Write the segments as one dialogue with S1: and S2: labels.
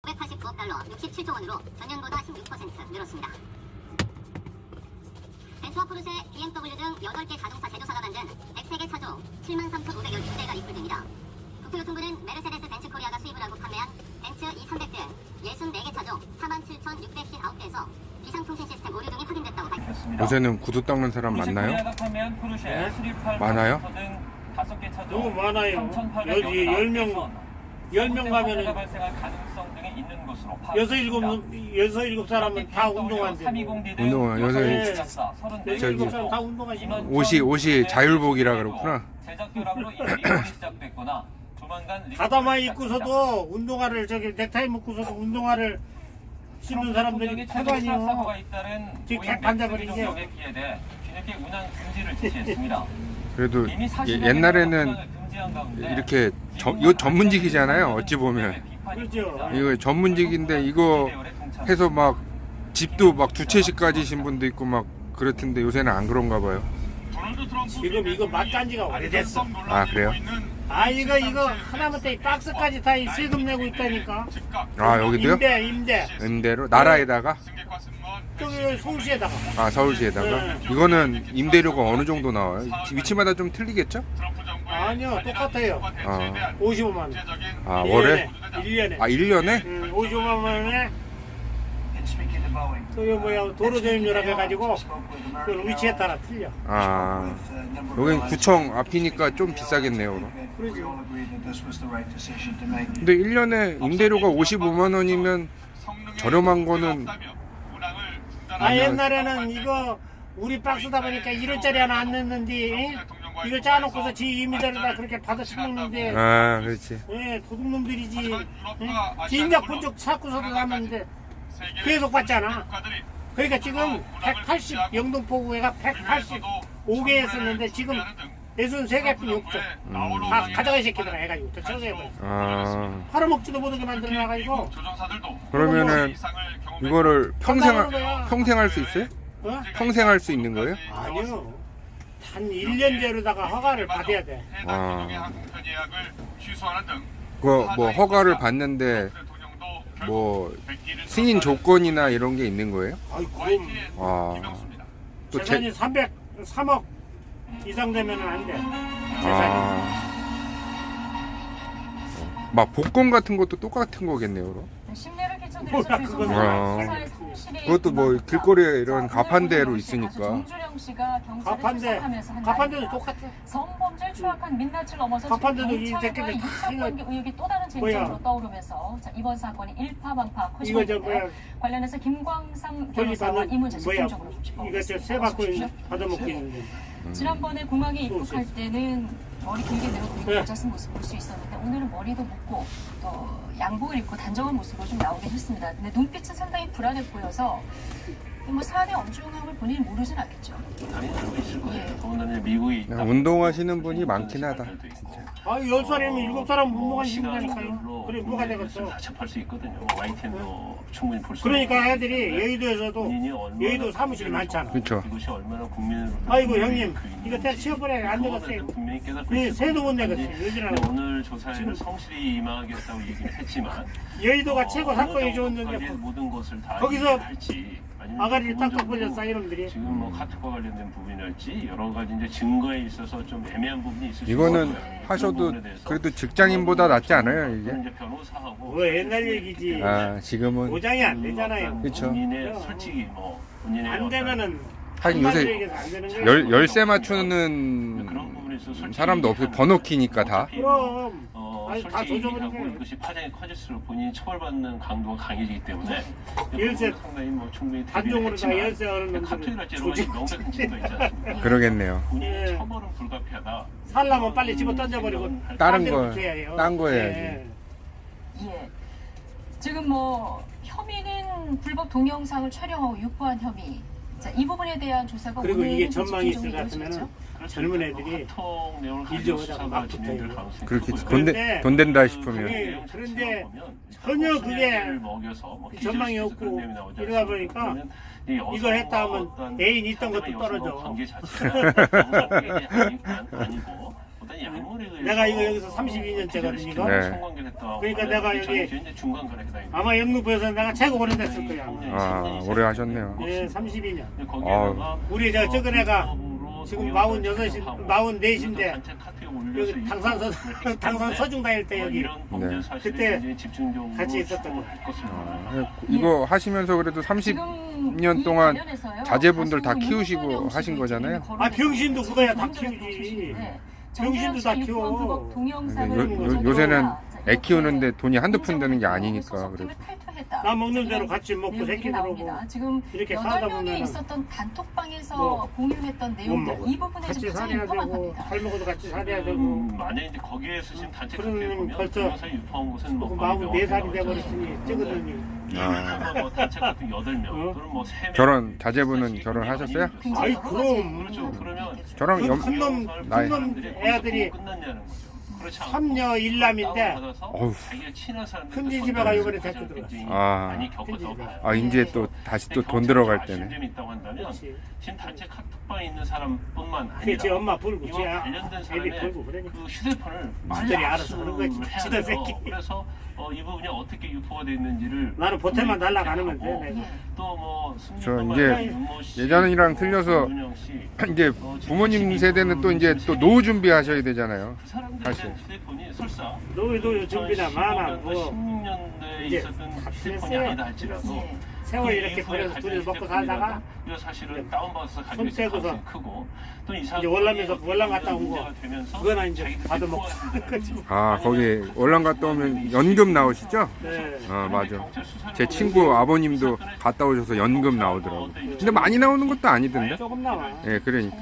S1: 989억 달러 67조 원으로 전년보다 16% 늘었습니다. 벤츠와 포르쉐, BMW 등 8개 자동차 제조사가 만든 103개 차종 73,512대가 입출됩니다. 국토교통부는 메르세데스 벤츠 코리아가 수입을 하고 판매한 벤츠 E300 등 64개 차종 47,659대에서 비상통신 시스템 오류 등이 확인됐다고 밝혔습니다.
S2: 요새는 구두 닦는 사람 많나요? 많아요?
S3: 너무 많아요. 여기 10명 가면은 6-7 사람은 다 운동한대.
S2: 운동화 요새 저기
S3: 6-7 사람 다 운동하시는
S2: 옷이 자율복이라 그렇구나.
S3: 가다마 입고서도 운동화를 저기 넥타이 묶고서도 운동화를 신는 사람들이 태반이요. 지금 개판져버린 게.
S2: 그래도 옛날에는 이렇게 이거 전문직이잖아요. 어찌 보면
S3: 그렇죠.
S2: 이거 전문직인데 이거 해서 막 집도 막 2채씩 가지신 분도 있고 막 그렇던데 요새는 안 그런가 봐요.
S3: 지금 이거 맛간 지가 오래됐어.
S2: 아 그래요?
S3: 아 이거 하다못해 이 박스까지 다 이 세금 내고 있다니까.
S2: 아 여기도요?
S3: 임대
S2: 임대로 나라에다가?
S3: 저기 서울시에다가.
S2: 아 서울시에다가? 이거는 임대료가 어느 정도 나와요? 위치마다 좀 틀리겠죠?
S3: 아니요 똑같아요.
S2: 아,
S3: 55만 원.
S2: 아 월에?
S3: 1년에.
S2: 아 1년에?
S3: 55만 원에 그 뭐야 도로조임료라고 해가지고 그 위치에 따라 틀려.
S2: 아 여긴 구청 앞이니까 좀 비싸겠네요 그럼.
S3: 그러죠.
S2: 근데 1년에 임대료가 55만 원이면 저렴한 거는
S3: 아 옛날에는 이거 우리 박스다 보니까 1원짜리 하나 안 냈는데 이걸 짜놓고서 지 임의대로다 그렇게 받아 처먹는데
S2: 아 그렇지.
S3: 예 도둑놈들이지. 진작 본적 찾고서도 남았는데 계속 받잖아. 그러니까 지금 180 영등포구에가 185개 했었는데 지금 63개뿐이 없어. 다 가져가 이 새끼들아 해가지고 또 처리해버렸어.
S2: 아
S3: 팔아먹지도 못하게 만들어놔가지고.
S2: 그러면은 이거를 평생 할 수 있어요?
S3: 어?
S2: 평생 할 수 있는 거예요?
S3: 아니요. 한 1년제로다가 허가를 받아야 돼.
S2: 아 그거 뭐 허가를 받는데 뭐 승인 조건이나 이런 게 있는 거예요?
S3: 아이 그럼
S2: 아또
S3: 재산이 3억 이상 되면은 안 돼.
S2: 막 복권 같은 것도 똑같은 거겠네요, 그럼?
S4: 심리를 끼쳐드려서
S3: 몰라, 그건
S4: 죄송합니다.
S2: 몰라. 그것도 뭐 길거리에 이런 가판대로 있으니까.
S4: 정주령 씨가 경찰을 수사하면서 한
S3: 가판대도
S4: 날이고
S3: 똑같아.
S4: 성범죄 추악한 민낯을 넘어서
S3: 가판대도 이
S4: 경찰과의
S3: 새끼들
S4: 유착관계 의혹이 또 다른 쟁점으로 떠오르면서 자, 이번 사건이 일파만파
S3: 이거 저
S4: 커지고 관련해서 김광삼
S3: 권리
S4: 변호사와 이 문제
S3: 뭐야?
S4: 집중적으로 좀
S3: 이거 저 세
S4: 짚어보겠습니다.
S3: 받고
S4: 어서 오십시오.
S3: 받아먹고 있는데.
S4: 지난번에 공항에 입국할 때는 머리 길게 내고 그리고 모자쓴 모습 볼 수 있었는데 오늘은 머리도 묶고 또 양복을 입고 단정한 모습으로 좀 나오긴 했습니다. 근데 눈빛은 상당히 불안해 보여서 뭐 사안의 엄중함을 본인이 모르진 않겠죠.
S5: 오늘 미국에 있다.
S2: 운동하시는 분이 많긴 하다. 진짜.
S3: 아 10살이면 7사람 운동하시는다니까요. 그래 뭐가 되겠어.
S5: 다 접할 수 있거든요. YTN도 충분히 볼 수.
S3: 그러니까 애들이 여의도에서도
S5: 본인이 얼마나
S3: 여의도 사무실이 많잖아.
S2: 그렇죠.
S5: 이것이 얼마나 국민을.
S3: 아이고 형님 이거 다 치워버려 안 되겠어요.
S5: 분명히 깨닫고
S3: 네,
S5: 있을
S3: 새도 못
S5: 거예요.
S3: 내겠어요. 요즘은
S5: 근데 오늘 조사에는 성실히 임하겠다고 얘기를 했지만
S3: 여의도가 최고
S5: 어느
S3: 사건이
S5: 정도까지
S3: 좋았는데
S5: 모든 것을 다
S3: 거기서
S5: 할지 아니면
S3: 아가리를 딱딱
S5: 부분적으로
S3: 벌렸어 이놈들이.
S5: 지금 뭐 카톡과 관련된 부분이랄지 여러 가지 이제 증거에 있어서 좀 애매한 부분이 있을 수
S2: 이거는
S5: 있어요.
S2: 하셔도
S5: 그런 부분에 대해서
S2: 그래도 직장인보다 낫지 않아요, 이게?
S5: 이제 변호사하고
S3: 뭐 옛날 얘기지.
S2: 아 지금은
S3: 보장이 안 되잖아요.
S2: 그쵸.
S5: 본인의 솔직히 뭐 본인의
S3: 안 되면은
S2: 하긴 요새
S3: 한마디로 얘기해서 안 되는 거예요.
S2: 열쇠
S5: 그런
S2: 맞추는
S5: 부분에 있어서 솔직히
S2: 사람도 없어요. 번호키니까 다.
S3: 그럼 아니, 다
S5: 솔직히
S3: 조져버린
S5: 얘기하고
S3: 거예요.
S5: 이것이 파장이 커질수록 본인이 처벌받는 강도가 강해지기 때문에
S3: 열쇠
S5: 상당히 뭐 충분히
S3: 단종으로 다 열쇠 하는
S5: 카톡이랄지
S3: 놈들은
S5: 여러 가지 명백한 증거 있지 않습니까?
S2: 그러겠네요.
S5: 본인이
S3: 예.
S5: 처벌은 불가피하다.
S3: 살라면 빨리 집어 던져버리고
S2: 다른
S3: 데로
S2: 거,
S3: 붙여야 해요.
S2: 딴 거 해야지.
S3: 예.
S4: 예. 지금 뭐 혐의는 불법 동영상을 촬영하고 유포한 혐의. 자, 이 부분에 대한 조사가
S3: 그리고
S4: 오늘은
S3: 이게
S4: 좀
S3: 전망이 있을
S4: 집중적으로
S3: 것 같으면은
S4: 이루어지겠죠?
S3: 젊은 애들이
S5: 카톡 내용을 가지고
S3: 이제 오다가
S5: 수사가
S3: 막
S5: 진행될
S3: 붙어요.
S5: 가능성이
S2: 그렇게
S5: 크고요.
S2: 돈 된다 싶으면.
S3: 네, 그런데 전혀 그게 전망이 없고 이러다 보니까 이거 했다 하면 애인 있던 것도 떨어져.
S5: 관계 자체가 아니고 어떤 약물에 의해서
S3: 내가 이거 여기서 32년째거든, 이거.
S2: 네.
S5: 성관계했다.
S3: 그러니까 내가 여기
S5: 중간 거래가 다 있는
S3: 아마 영등포에서 내가 최고 오래됐을 거야.
S2: 아, 오래 하셨네요.
S3: 예, 32년.
S5: 거기에다가
S3: 우리 저건 애가 지금 46인, 44인데
S5: 단체 카트에 올려서
S3: 여기 당산 서중 다닐 때 여기
S2: 네.
S3: 그때 같이 있었던 거.
S2: 아, 이거 하시면서 그래도 30년 동안 자제분들 다 키우시고 하신 거잖아요.
S3: 아, 병신도 그거야 다 키우지. 병신도 다 키워.
S2: 요새는 애 키우는데 돈이 한두 푼 드는 게 아니니까 그래도.
S3: 나 먹는 대로 같이 먹고 새끼들하고
S4: 지금
S3: 이렇게
S4: 여덟
S3: 살다
S4: 명이
S3: 보면은
S4: 있었던 단톡방에서
S3: 뭐
S4: 공유했던
S3: 못
S4: 내용들
S3: 먹어.
S4: 이 부분에
S3: 같이
S4: 좀
S3: 살아야 되고
S4: 험악합니다.
S3: 살 먹어도 같이 살아야 되고.
S5: 만약에 이제 거기에서 지금 단체 카트에
S3: 그러면
S5: 보면
S3: 벌써
S5: 동영상 유포한 곳은 뭐
S3: 44살이 돼버렸으니 찌그러니.
S2: 아,
S5: 뭐 단체 카트 8명
S3: 어?
S5: 그럼 뭐 3명
S2: 결혼 자제분은 결혼하셨어요?
S3: 아이 그럼
S5: 그렇죠. 그러면
S2: 저랑 나이
S3: 큰놈 애들이
S5: 끝났냐는 거죠. 그렇지 않고
S3: 3녀 1남인데
S2: 어휴.
S3: 큰지
S5: 큰지
S3: 집에
S5: 집에
S3: 가 이번에 데리고 들어갔어.
S2: 아.
S3: 큰지 집에.
S2: 아 이제 또 다시 또 돈 들어갈 때네.
S5: 있다고 한다면
S3: 그렇지.
S5: 지금 단체 카톡방에 있는 사람뿐만
S3: 그치
S5: 아니라
S3: 엄마 불고
S5: 이와
S3: 지야
S5: 관련된
S3: 애비
S5: 사람의
S3: 불고 그러니까.
S5: 그 휴대폰을
S3: 지들이 알아서 하는 거지.
S5: 압수해야
S3: 지들
S5: 돼요.
S3: 새끼.
S5: 그래서 이 부분이 어떻게 유포가 돼 있는지를
S3: 나는 보태만 달라고 안 하면 돼 내가.
S5: 또뭐
S2: 저 이제 예전이랑 틀려서 이제 부모님 세대는 또 이제 또 노후 준비하셔야 되잖아요. 사실.
S5: 휴대폰이 설사
S3: 노후도 준비나 많아 뭐
S5: 16년대에
S3: 이제
S5: 있었던
S3: 다
S5: 휴대폰이
S3: 됐어요.
S5: 아니다 할지라도
S4: 예.
S3: 세월 이렇게 버려서 둘이 먹고 살다가
S5: 이거 사실은 다운받아서 가지고
S3: 손
S5: 있을
S3: 떼고서
S5: 가능성이 크고 또 이 사람이
S3: 이제 월남에서 월남 갔다 온 거.
S5: 문제가 되면서
S3: 그거나 이제
S5: 자기들이
S3: 받아먹고
S5: 유포하는
S3: 하는 거지.
S2: 아 거기 월남 갔다 오면 연금 나오시죠?
S3: 네.
S2: 아 맞아. 제 친구 아버님도 갔다 오셔서 연금 나오더라고. 근데 많이 나오는 것도 아니던데.
S3: 조금 나와.
S2: 예, 그러니까.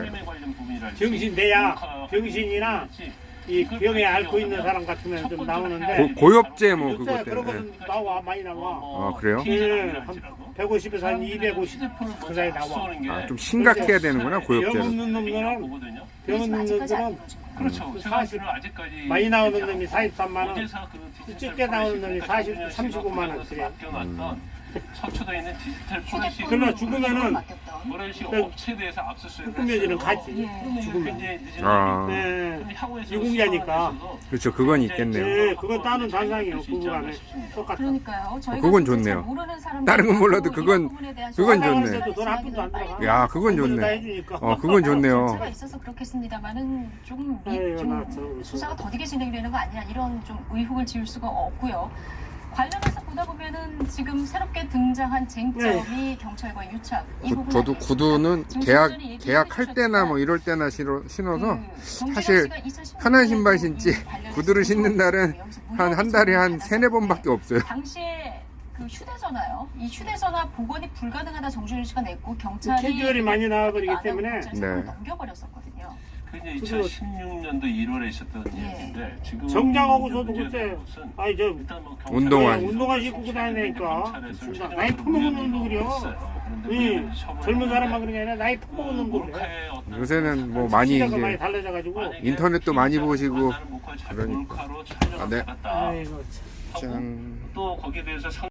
S3: 정신 내야 병신이나 이 병에 앓고 있는 사람 같으면 좀 나오는데
S2: 고엽제 뭐
S3: 요새
S2: 그것
S3: 그런
S2: 때문에.
S3: 것은 나와 많이 나와.
S2: 아 그래요?
S3: 예, 한 150에서 한 250 그 사이 나와.
S2: 아 좀 심각해야 되는구나
S3: 병
S2: 고엽제는.
S3: 없는 놈들은 병 없는 놈들은
S5: 그렇죠.
S3: 그
S5: 제가
S3: 40
S5: 사실은 아직까지
S3: 많이 나오는 놈이 43만 원,
S5: 어제사 그 디지털
S3: 적게 나오는 놈이
S5: 포레시
S3: 35만 원 그래.
S5: 맡겨놨던 서초도에 있는 디지털 포레시
S3: 그러나 죽으면은
S5: 포레시
S3: 그
S5: 업체에 대해서 압수수색을
S3: 후금여지는
S5: 했어요.
S3: 가지.
S4: 예.
S3: 죽으면.
S2: 아
S3: 네.
S5: 향후에서
S3: 유공자니까.
S2: 그렇죠 그건 있겠네요.
S3: 네, 그건 따는 단상이에요. 부부간에 똑같아.
S4: 그러니까요. 저희가
S2: 그건
S4: 진짜
S2: 좋네요.
S4: 잘 모르는 사람들
S2: 다른 건 몰라도
S4: 이런
S2: 그건-
S4: 부분에 대한
S2: 그건
S4: 정확한
S2: 좋네.
S3: 나가는데도 돈한 푼도 안 들어가.
S2: 야 그건
S3: 공부를 다
S2: 좋네.
S3: 해주니까.
S2: 그건 좋네요.
S4: 문제가 있어서 그렇겠습니다만은 좀,
S3: 아이고,
S4: 좀
S3: 나 참.
S4: 수사가 더디게 진행되는 거 아니냐 이런 좀 의혹을 지을 수가 없고요. 관련해서 보다 보면은 지금 새롭게 등장한 쟁점이 경찰과 유착 이 부분
S2: 저도
S4: 아니겠습니까?
S2: 구두는
S4: 지금
S2: 계약
S4: 전에 얘기를
S2: 계약할 때나 뭐 이럴 때나 신어서
S4: 그
S2: 사실
S4: 정진영 씨가 2016
S2: 편한 신발 신지
S4: 관련해서
S2: 구두를 신는 날은
S4: 여기서
S2: 한 달에 한
S4: 무료로
S2: 세네 번밖에 없어요.
S4: 당시에 그 휴대전화요. 이 휴대전화 복원이 불가능하다 정준일 씨가 냈고 경찰이
S3: 캐주얼이 많이 나와버리기
S4: 안 하고
S3: 때문에
S4: 경찰에
S2: 네.
S4: 넘겨버렸었거든요.
S5: 그게 2016년도 1월에 있었던
S4: 예.
S5: 이야기인데 지금
S3: 정장하고서도
S5: 문제는
S3: 그때
S5: 무슨
S3: 아니 저
S5: 일단 뭐 경찰에
S2: 운동화.
S3: 운동화 신고 다니니까
S5: 경찰에서
S3: 진짜
S5: 체력을
S3: 나이 퍼먹은
S5: 무리하게
S3: 놈도 그려.
S5: 했어요. 그런데
S3: 이
S5: 우리는 처벌을
S3: 젊은 사람만
S5: 했는데
S3: 그런 게 아니라 나이 퍼먹은 놈도 그래.
S5: 몰카의 어떤
S2: 요새는 뭐 많이
S3: 시대가 많이
S2: 이제
S3: 달라져가지고
S2: 인터넷도 많이 보시고
S5: 나는 몰카를 잘
S2: 그러니까.
S5: 몰카로 촬영을
S2: 아, 네.
S5: 해봤다
S3: 아이고 참.
S5: 하고
S2: 짠.
S5: 또 거기에 대해서